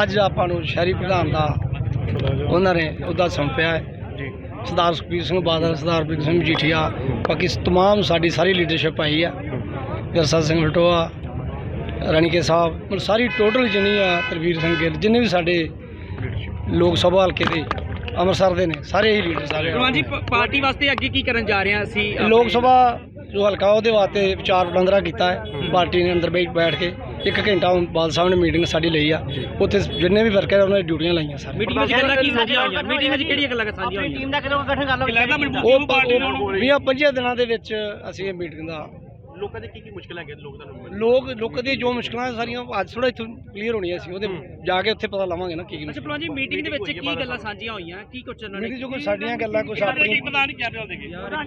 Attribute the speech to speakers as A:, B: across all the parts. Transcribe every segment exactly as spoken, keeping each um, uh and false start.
A: ਅੱਜ ਆਪਾਂ ਨੂੰ ਸ਼ਹਿਰੀ ਪ੍ਰਧਾਨ ਦਾ ਉਹਨਾਂ ਨੇ ਉਹਦਾ ਸੌਂਪਿਆ ਹੈ ਸਰਦਾਰ ਸੁਖਬੀਰ ਸਿੰਘ ਬਾਦਲ, ਸਰਦਾਰ ਬਿਕਰਮ ਸਿੰਘ ਮਜੀਠੀਆ, ਬਾਕੀ ਤਮਾਮ ਸਾਡੀ ਸਾਰੀ ਲੀਡਰਸ਼ਿਪ ਆਈ ਆ, ਜਰਸਾ ਸਿੰਘ ਲਟੋਆ, ਰਣੀਕੇ ਸਾਹਿਬ, ਮਤਲਬ ਸਾਰੀ ਟੋਟਲ ਜਿੰਨੀ ਆ, ਤਰਵੀਰ ਸਿੰਘ ਗਿੱਲ, ਜਿੰਨੇ ਵੀ ਸਾਡੇ ਲੋਕ ਸਭਾ ਹਲਕੇ ਦੇ ਅੰਮ੍ਰਿਤਸਰ ਦੇ ਨੇ, ਸਾਰੇ ਹੀ ਲੀਡਰ ਸਾਰੇ
B: ਭਲਵਾਨ ਜੀ ਪ- ਪਾਰਟੀ ਵਾਸਤੇ ਅੱਗੇ ਕੀ ਕਰਨ ਜਾ ਰਹੇ ਹਾਂ ਅਸੀਂ?
A: ਲੋਕ ਸਭਾ ਜੋ ਹਲਕਾ ਉਹਦੇ ਵਾਸਤੇ ਵਿਚਾਰ ਵਟਾਂਦਰਾ ਕੀਤਾ ਹੈ। ਪਾਰਟੀ ਨੇ ਅੰਦਰ ਬੈਠ ਬੈਠ ਕੇ ਇੱਕ ਘੰਟਾ ਹੁਣ ਬਾਦਲ ਸਾਹਿਬ ਨੇ ਮੀਟਿੰਗ ਸਾਡੀ ਲਈ ਆ, ਉੱਥੇ ਜਿੰਨੇ ਵੀ ਵਰਕਰ ਉਹਨਾਂ ਦੀ ਡਿਊਟੀਆਂ ਲਾਈਆਂ ਸਾਰੇ।
B: ਮੀਟਿੰਗ ਵਿੱਚ ਗੱਲਾਂ ਕੀ ਸਾਂਝੀਆਂ ਹੋਈਆਂ? ਮੀਟਿੰਗ ਵਿੱਚ ਕਿਹੜੀਆਂ ਗੱਲਾਂ ਸਾਂਝੀਆਂ ਹੋਈਆਂ?
C: ਟੀਮ ਦਾ ਕਦੋਂ ਗਠਨ ਕਰ ਲਓ?
A: ਉਹ ਵੀਹਾਂ ਪੰਜੀਆਂ ਦਿਨਾਂ ਦੇ ਵਿੱਚ ਅਸੀਂ ਇਹ ਮੀਟਿੰਗ ਦਾ
B: ਲੋਕਾਂ ਦੇ ਕੀ ਕੀ ਮੁਸ਼ਕਲਾਂ ਹੈਗੀਆਂ ਲੋਕ ਤੁਹਾਨੂੰ?
A: ਲੋਕ ਲੋਕਾਂ ਦੀ ਜੋ ਮੁਸ਼ਕਲਾਂ ਸਾਰੀਆਂ ਅੱਜ ਥੋੜਾ ਇੱਥੋਂ ਕਲੀਅਰ ਹੋਣੀਆਂ ਸੀ, ਉਹਦੇ ਜਾ ਕੇ ਉੱਥੇ ਪਤਾ ਲਾਵਾਂਗੇ ਨਾ ਕੀ ਕੀ
B: ਅੱਛਾ ਭਲਵਾਨ ਜੀ, ਮੀਟਿੰਗ ਦੇ ਵਿੱਚ ਕੀ ਗੱਲਾਂ ਸਾਂਝੀਆਂ ਹੋਈਆਂ? ਕੀ ਕੁਝ ਉਹਨਾਂ ਨੇ
A: ਮੀਟਿੰਗ 'ਚ ਕੋਈ ਸਾਡੀਆਂ ਗੱਲਾਂ ਕੁਛ ਆਪਣੀ
B: ਪਤਾ ਨਹੀਂ ਕਰ ਰਹੇ ਹੋਣਗੇ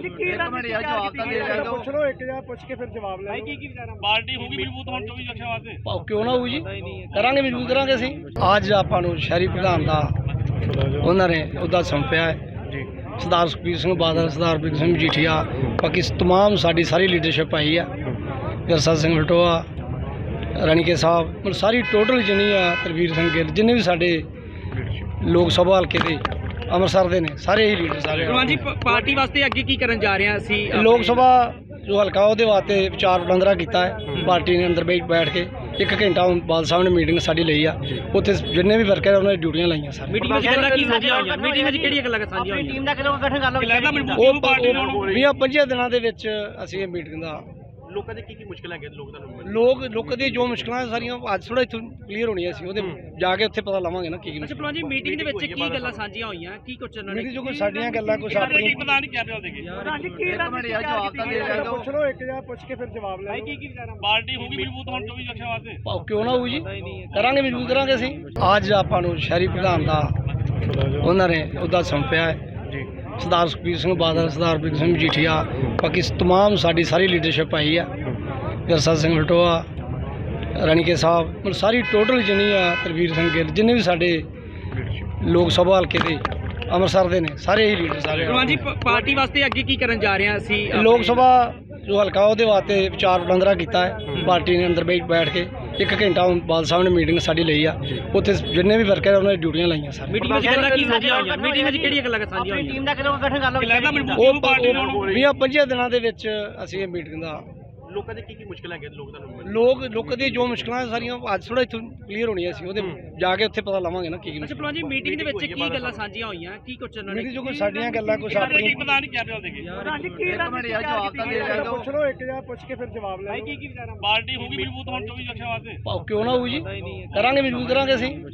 A: ਪੁੱਛ ਲਓ, ਇੱਕ ਜਾਂ ਪੁੱਛ ਕੇ ਫਿਰ ਜਵਾਬ ਲੈ
B: ਕੀ ਕੀ ਵਿਚਾਰਾ? ਪਾਰਟੀ ਹੋਗੀ ਮਜ਼ਬੂਤ ਹੁਣ ਚੌਵੀ ਲੱਖਾਂ ਵਾਸਤੇ।
A: ਭਾਉ ਕਿਉਂ ਨਾ ਹੋਊ ਜੀ, ਕਰਾਂਗੇ ਮਜ਼ਬੂਤ ਕਰਾਂਗੇ ਅਸੀਂ। ਅੱਜ ਆਪਾਂ ਨੂੰ ਸ਼ਹਿਰੀ ਪ੍ਰਧਾਨ ਦਾ ਉਹਨਾਂ ਨੇ ਉਹਦਾ ਸੌਂਪਿਆ ਹੈ ਸਰਦਾਰ ਸੁਖਬੀਰ ਸਿੰਘ ਬਾਦਲ, ਸਰਦਾਰ ਬਿਕਰਮ ਸਿੰਘ ਮਜੀਠੀਆ, ਬਾਕੀ ਤਮਾਮ ਸਾਡੀ ਸਾਰੀ ਲੀਡਰਸ਼ਿਪ ਆਈ ਆ, ਜਰਸਾ ਸਿੰਘ ਲਟੋਆ, ਰਣੀਕੇ ਸਾਹਿਬ, ਮਤਲਬ ਸਾਰੀ ਟੋਟਲ ਜਿੰਨੀ ਆ, ਤਰਵੀਰ ਸਿੰਘ ਗਿੱਲ, ਜਿੰਨੇ ਵੀ ਸਾਡੇ ਲੋਕ ਸਭਾ ਹਲਕੇ ਦੇ ਅੰਮ੍ਰਿਤਸਰ ਦੇ ਨੇ, ਸਾਰੇ ਹੀ ਲੀਡਰ ਸਾਰੇ
B: ਭਲਵਾਨ ਜੀ ਪ- ਪਾਰਟੀ ਵਾਸਤੇ ਅੱਗੇ ਕੀ ਕਰਨ ਜਾ ਰਹੇ ਹਾਂ ਅਸੀਂ?
A: ਲੋਕ ਸਭਾ ਜੋ ਹਲਕਾ ਉਹਦੇ ਵਾਸਤੇ ਵਿਚਾਰ ਵਟਾਂਦਰਾ ਕੀਤਾ ਹੈ। ਪਾਰਟੀ ਨੇ ਅੰਦਰ ਬੈਠ ਬੈਠ ਕੇ ਇੱਕ ਘੰਟਾ ਹੁਣ ਬਾਦਲ ਸਾਹਿਬ ਨੇ ਮੀਟਿੰਗ ਸਾਡੀ ਲਈ ਆ, ਉੱਥੇ ਜਿੰਨੇ ਵੀ ਵਰਕਰ ਉਹਨਾਂ ਦੀ ਡਿਊਟੀਆਂ ਲਾਈਆਂ ਸਾਰੇ।
B: ਮੀਟਿੰਗ ਵਿੱਚ ਗੱਲਾਂ ਕੀ ਸਾਂਝੀਆਂ ਹੋਈਆਂ? ਮੀਟਿੰਗ ਵਿੱਚ ਕਿਹੜੀਆਂ ਗੱਲਾਂ ਸਾਂਝੀਆਂ ਹੋਈਆਂ?
C: ਟੀਮ ਦਾ ਕਦੋਂ ਗਠਨ ਕਰ ਲਓ?
A: ਉਹ ਉਹ ਵੀਹਾਂ ਪੰਜੀਆਂ ਦਿਨਾਂ ਦੇ ਵਿੱਚ ਅਸੀਂ ਇਹ ਮੀਟਿੰਗ ਦਾ
B: ਲੋਕਾਂ ਦੇ ਕੀ ਕੀ ਮੁਸ਼ਕਲਾਂ ਹੈਗੀਆਂ ਲੋਕ ਤੁਹਾਨੂੰ?
A: ਲੋਕ ਲੋਕਾਂ ਦੀ ਜੋ ਮੁਸ਼ਕਲਾਂ ਸਾਰੀਆਂ ਅੱਜ ਥੋੜਾ ਇੱਥੋਂ ਕਲੀਅਰ ਹੋਣੀਆਂ ਸੀ, ਉਹਦੇ ਜਾ ਕੇ ਉੱਥੇ ਪਤਾ ਲਾਵਾਂਗੇ ਨਾ ਕੀ ਕੀ
B: ਅੱਛਾ ਭਲਵਾਨ ਜੀ, ਮੀਟਿੰਗ ਦੇ ਵਿੱਚ ਕੀ ਗੱਲਾਂ ਸਾਂਝੀਆਂ ਹੋਈਆਂ? ਕੀ ਕੁਝ ਉਹਨਾਂ ਨੇ?
A: ਮੀਟਿੰਗ 'ਚ ਕੋਈ ਸਾਡੀਆਂ ਗੱਲਾਂ ਕੁਛ ਆਪਣੀ
B: ਪਤਾ ਨਹੀਂ ਕਰ ਰਹੇ ਹੋਣਗੇ।
A: ਪੁੱਛ ਲਓ, ਇੱਕ ਜਾਂ ਪੁੱਛ ਕੇ ਫਿਰ ਜਵਾਬ ਲੈ
B: ਕੀ ਕੀ ਵਿਚਾਰਾ? ਪਾਰਟੀ ਹੋਗੀ ਮਜ਼ਬੂਤ ਹੁਣ ਚੌਵੀ ਲੱਖਾਂ ਵਾਸਤੇ।
A: ਭਾਉ ਕਿਉਂ ਨਾ ਹੋਊ ਜੀ, ਕਰਾਂਗੇ ਮਜ਼ਬੂਤ ਕਰਾਂਗੇ ਅਸੀਂ। ਅੱਜ ਆਪਾਂ ਨੂੰ ਸ਼ਹਿਰੀ ਪ੍ਰਧਾਨ ਦਾ ਉਹਨਾਂ ਨੇ ਉਹਦਾ ਸੌਂਪਿਆ ਹੈ ਸਰਦਾਰ ਸੁਖਬੀਰ ਸਿੰਘ ਬਾਦਲ, ਸਰਦਾਰ ਬਿਕਰਮ ਸਿੰਘ ਮਜੀਠੀਆ, ਬਾਕੀ ਤਮਾਮ ਸਾਡੀ ਸਾਰੀ ਲੀਡਰਸ਼ਿਪ ਆਈ ਆ, ਜਰਸਾ ਸਿੰਘ ਲਟੋਆ, ਰਣੀਕੇ ਸਾਹਿਬ, ਮਤਲਬ ਸਾਰੀ ਟੋਟਲ ਜਿੰਨੀ ਆ, ਤਰਵੀਰ ਸਿੰਘ ਗਿੱਲ, ਜਿੰਨੇ ਵੀ ਸਾਡੇ ਲੋਕ ਸਭਾ ਹਲਕੇ ਦੇ ਅੰਮ੍ਰਿਤਸਰ ਦੇ ਨੇ, ਸਾਰੇ ਹੀ ਲੀਡਰ ਸਾਰੇ
B: ਭਲਵਾਨ ਜੀ ਪ- ਪਾਰਟੀ ਵਾਸਤੇ ਅੱਗੇ ਕੀ ਕਰਨ ਜਾ ਰਹੇ ਹਾਂ ਅਸੀਂ?
A: ਲੋਕ ਸਭਾ ਜੋ ਹਲਕਾ ਉਹਦੇ ਵਾਸਤੇ ਵਿਚਾਰ ਵਟਾਂਦਰਾ ਕੀਤਾ ਹੈ। ਪਾਰਟੀ ਨੇ ਅੰਦਰ ਬੈਠ ਬੈਠ ਕੇ ਇੱਕ ਘੰਟਾ ਹੁਣ ਬਾਦਲ ਸਾਹਿਬ ਨੇ ਮੀਟਿੰਗ ਸਾਡੀ ਲਈ ਆ, ਉੱਥੇ ਜਿੰਨੇ ਵੀ ਵਰਕਰ ਉਹਨਾਂ ਦੀ ਡਿਊਟੀਆਂ ਲਾਈਆਂ ਸਾਰੇ।
B: ਮੀਟਿੰਗ ਵਿੱਚ ਗੱਲਾਂ ਕੀ ਸਾਂਝੀਆਂ ਹੋਈਆਂ? ਮੀਟਿੰਗ ਵਿੱਚ ਕਿਹੜੀਆਂ ਗੱਲਾਂ ਸਾਂਝੀਆਂ ਹੋਈਆਂ?
C: ਟੀਮ ਦਾ ਕਦੋਂ ਗਠਨ ਕਰ ਲਓ?
A: ਉਹ ਉਹ ਵੀਹਾਂ ਪੰਜੀਆਂ ਦਿਨਾਂ ਦੇ ਵਿੱਚ ਅਸੀਂ ਇਹ ਮੀਟਿੰਗ ਦਾ
B: ਲੋਕਾਂ ਦੇ ਕੀ ਕੀ ਮੁਸ਼ਕਲਾਂ ਹੈਗੀਆਂ ਲੋਕ ਤੁਹਾਨੂੰ?
A: ਲੋਕ ਲੋਕਾਂ ਦੀ ਜੋ ਮੁਸ਼ਕਲਾਂ ਸਾਰੀਆਂ ਅੱਜ ਥੋੜਾ ਇੱਥੋਂ ਕਲੀਅਰ ਹੋਣੀਆਂ ਸੀ, ਉਹਦੇ ਜਾ ਕੇ ਉੱਥੇ ਪਤਾ ਲਾਵਾਂਗੇ ਨਾ ਕੀ ਕੀ
B: ਅੱਛਾ ਭਲਵਾਨ ਜੀ, ਮੀਟਿੰਗ ਦੇ ਵਿੱਚ ਕੀ ਗੱਲਾਂ ਸਾਂਝੀਆਂ ਹੋਈਆਂ? ਕੀ ਕੁਝ ਉਹਨਾਂ ਨੇ?
A: ਮੀਟਿੰਗ 'ਚ ਕੋਈ ਸਾਡੀਆਂ ਗੱਲਾਂ ਕੁਛ ਆਪਣੀ
B: ਪਤਾ ਨਹੀਂ ਕਰ ਰਹੇ ਹੋਣਗੇ।
A: ਪੁੱਛ ਲਓ, ਇੱਕ ਜਾਂ ਪੁੱਛ ਕੇ ਫਿਰ ਜਵਾਬ ਲੈ
B: ਕੀ ਕੀ ਵਿਚਾਰਾ? ਪਾਰਟੀ ਹੋਗੀ ਮਜ਼ਬੂਤ ਹੁਣ ਚੌਵੀ ਲੱਖਾਂ ਵਾਸਤੇ।
A: ਭਾਉ ਕਿਉਂ ਨਾ ਹੋਊ ਜੀ, ਕਰਾਂਗੇ ਮਜ਼ਬੂਤ ਕਰਾਂਗੇ ਅਸੀਂ।